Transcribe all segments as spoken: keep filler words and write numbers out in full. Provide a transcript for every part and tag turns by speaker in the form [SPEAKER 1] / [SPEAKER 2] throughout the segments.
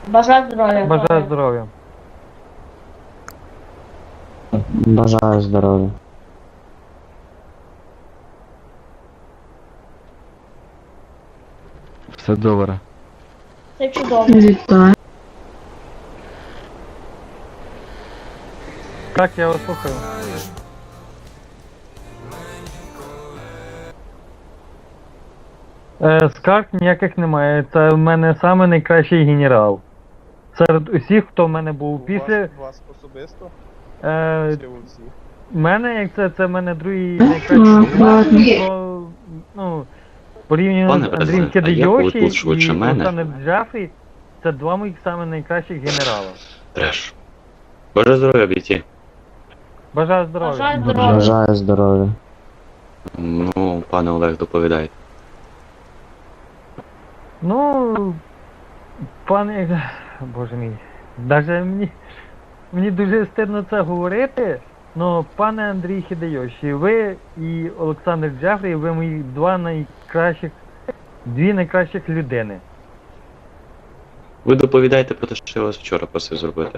[SPEAKER 1] Бажаю здоров'я.
[SPEAKER 2] Бажаю здоров'я.
[SPEAKER 3] Бажаю здоров'я.
[SPEAKER 4] Все добре.
[SPEAKER 1] Це чудово.
[SPEAKER 5] Вітаю.
[SPEAKER 2] Так, я вас слухаю. Е, скарг ніяких немає. Це в мене саме найкращий генерал. Серед усіх, хто в мене був після.
[SPEAKER 6] Вас, вас особисто?
[SPEAKER 2] Е,
[SPEAKER 6] Чи у всіх?
[SPEAKER 2] мене, як це, це в мене другий найкращий
[SPEAKER 5] ладно.
[SPEAKER 2] генерал. Ну, порівняно
[SPEAKER 7] Пане
[SPEAKER 2] з Андрієм
[SPEAKER 7] президент, а як ви
[SPEAKER 2] Кидайоші
[SPEAKER 7] тут швидше
[SPEAKER 2] і
[SPEAKER 7] мене?
[SPEAKER 2] Олександром Джафрі, це два моїх саме найкращих генерала.
[SPEAKER 7] Треш. Бажаю здоров'я, бійці.
[SPEAKER 2] Бажаю здоров'я.
[SPEAKER 1] Бажаю здоров'я.
[SPEAKER 3] Бажаю здоров'я.
[SPEAKER 7] Ну, пане Олег, доповідайте.
[SPEAKER 2] Ну, пане, боже мій, навіть мені, мені дуже стидно це говорити, але пане Андрій Хідайоші, ви і Олександр Джафрі, ви мої два найкращих, дві найкращих людини.
[SPEAKER 7] Ви доповідайте про те, що я вас вчора просив зробити.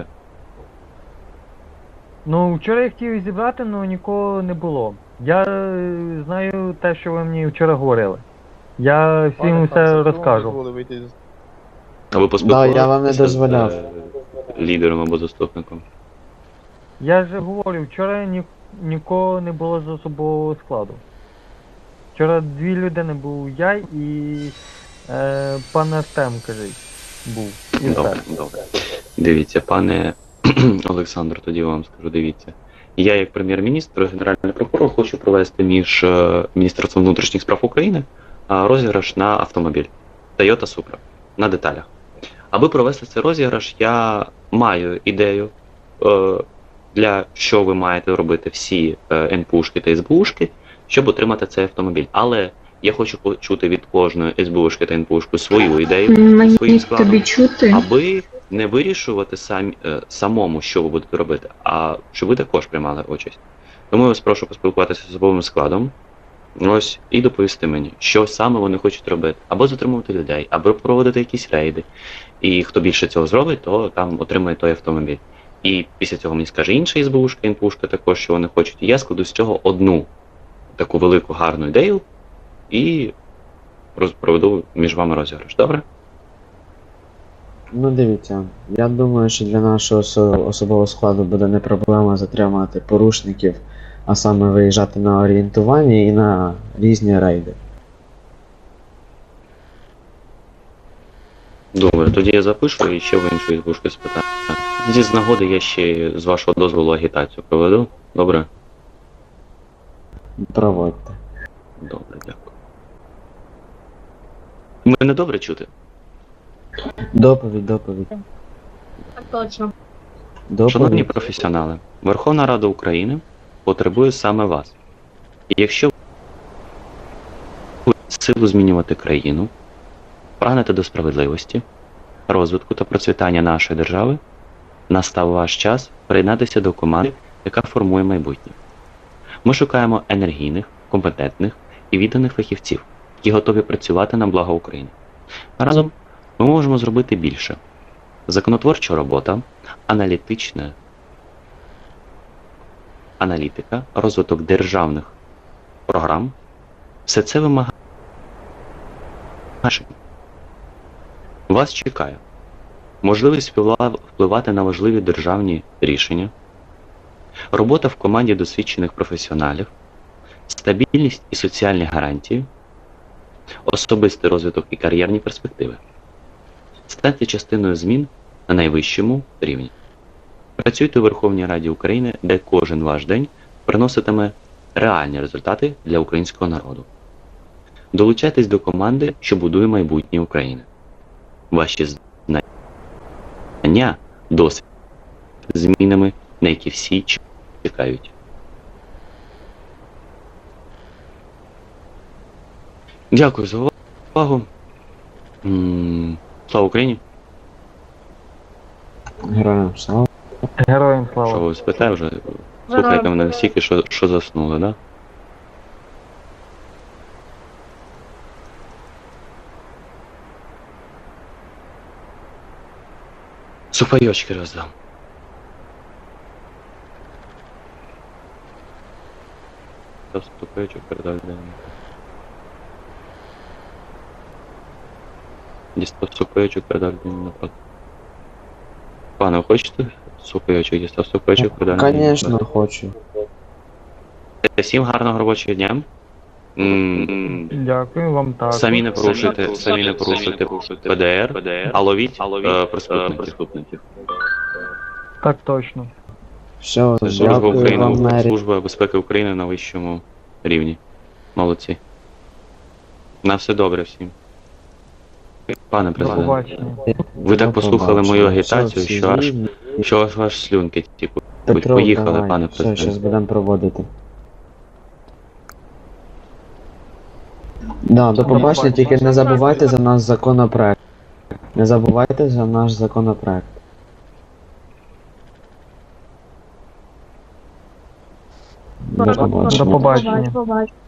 [SPEAKER 2] Ну, вчора я хотів зібрати, але нікого не було. Я е, знаю те, що ви мені вчора говорили. Я всім
[SPEAKER 6] Пане
[SPEAKER 2] все
[SPEAKER 6] Хансе, хто вам
[SPEAKER 2] розкажу.
[SPEAKER 6] дозволив вийти з-
[SPEAKER 7] А ви поспілкувалися
[SPEAKER 3] Да, я вам не
[SPEAKER 7] з,
[SPEAKER 3] дозволяв.
[SPEAKER 7] е, лідером або заступником?
[SPEAKER 2] Я ж говорю, вчора ні, нікого не було з особового складу. Вчора дві людини був я і е, пан Артем, кажіть, був. І
[SPEAKER 7] Добре,
[SPEAKER 2] все.
[SPEAKER 7] добре. Дивіться, пане Олександр, тоді вам скажу, дивіться. Я, як прем'єр-міністр, генеральний прокурор, хочу провести між е, Міністерством внутрішніх справ України е, розіграш на автомобіль Toyota Supra на деталях. Аби провести цей розіграш, я маю ідею, е, для що ви маєте робити всі е, ен пе ушки та ес бе ушки, щоб отримати цей автомобіль. Але я хочу почути від кожної ес бе ушки та ен пе ушки свою ідею,
[SPEAKER 5] Мені
[SPEAKER 7] своїм складом,
[SPEAKER 5] тобі чути.
[SPEAKER 7] аби не вирішувати сам, е, самому, що ви будете робити, а щоб ви також приймали участь. Тому я вас прошу поспілкуватися з особовим складом, ось, і доповісти мені, що саме вони хочуть робити. Або затримувати людей, або проводити якісь рейди. І хто більше цього зробить, то там отримає той автомобіль. І після цього мені скаже інша ес бе ушка, ен пе ушка також, що вони хочуть. І я складу з цього одну таку велику гарну ідею і роз- проведу між вами розіграш. Добре?
[SPEAKER 3] Ну дивіться, я думаю, що для нашого осо- особового складу буде не проблема затримати порушників, а саме виїжджати на орієнтування і на різні рейди.
[SPEAKER 7] Добре, тоді я запишу і ще в іншу ес бе ушку спитаю. Тоді з нагоди я ще з вашого дозволу агітацію проведу. Добре?
[SPEAKER 3] Проводьте.
[SPEAKER 7] Добре, дякую. Мене добре чути?
[SPEAKER 3] Доповідь, доповідь.
[SPEAKER 1] Так точно.
[SPEAKER 7] Шановні
[SPEAKER 3] Доповідь.
[SPEAKER 7] професіонали, Верховна Рада України потребує саме вас. І якщо ви силу змінювати країну, прагнете до справедливості, розвитку та процвітання нашої держави, настав ваш час приєднатися до команди, яка формує майбутнє. Ми шукаємо енергійних, компетентних і відданих фахівців, які готові працювати на благо України. Разом ми можемо зробити більше. Законотворча робота, аналітична аналітика, розвиток державних програм – все це вимагає. Вас чекає можливість вплива- впливати на важливі державні рішення, робота в команді досвідчених професіоналів, стабільність і соціальні гарантії, особистий розвиток і кар'єрні перспективи. Станьте частиною змін на найвищому рівні. Працюйте у Верховній Раді України, де кожен ваш день приноситиме реальні результати для українського народу. Долучайтесь до команди, що будує майбутнє України. Ваші знання, досвід, змінами, на які всі чекають. Дякую за увагу. М, Слава Україні!
[SPEAKER 3] Героям слава.
[SPEAKER 2] Героям
[SPEAKER 7] Що
[SPEAKER 2] слава.
[SPEAKER 7] ви спитаєте вже? Слухайте мене настільки, що, що заснули, да? Сухпайочки роздам. Та сухпайочок передав людині. Дістав сухпайочок, передав людині напроти. Пане, ви хочете сухпайочок? Дістав сухпайочок, передав людині
[SPEAKER 3] Конечно,
[SPEAKER 7] напроти.
[SPEAKER 3] хочу.
[SPEAKER 7] Всім гарного робочого дня. М,
[SPEAKER 2] Дякую вам також.
[SPEAKER 7] Самі не порушуйте, самі не порушуйте Пе Де Ер, а ловіть е, преступників.
[SPEAKER 2] Так точно.
[SPEAKER 3] Все,
[SPEAKER 7] Це служба
[SPEAKER 3] дякую
[SPEAKER 7] України,
[SPEAKER 3] вам, Мері.
[SPEAKER 7] служба безпеки України на вищому рівні. Молодці. На все добре всім. Пане
[SPEAKER 2] До
[SPEAKER 7] президент,
[SPEAKER 2] побачення.
[SPEAKER 7] ви так
[SPEAKER 3] До
[SPEAKER 7] послухали мою
[SPEAKER 3] побачення.
[SPEAKER 7] агітацію,
[SPEAKER 3] Все,
[SPEAKER 7] що аж,
[SPEAKER 3] всі
[SPEAKER 7] що аж аж слюнки типу.
[SPEAKER 3] Петро,
[SPEAKER 7] Поїхали,
[SPEAKER 3] давай.
[SPEAKER 7] пане
[SPEAKER 3] Все, зараз
[SPEAKER 7] президент.
[SPEAKER 3] будемо проводити. Да, до побачення, тільки не забувайте за наш законопроект. Не забувайте за наш законопроект. До побачення.
[SPEAKER 2] До побачення.
[SPEAKER 1] Побачення.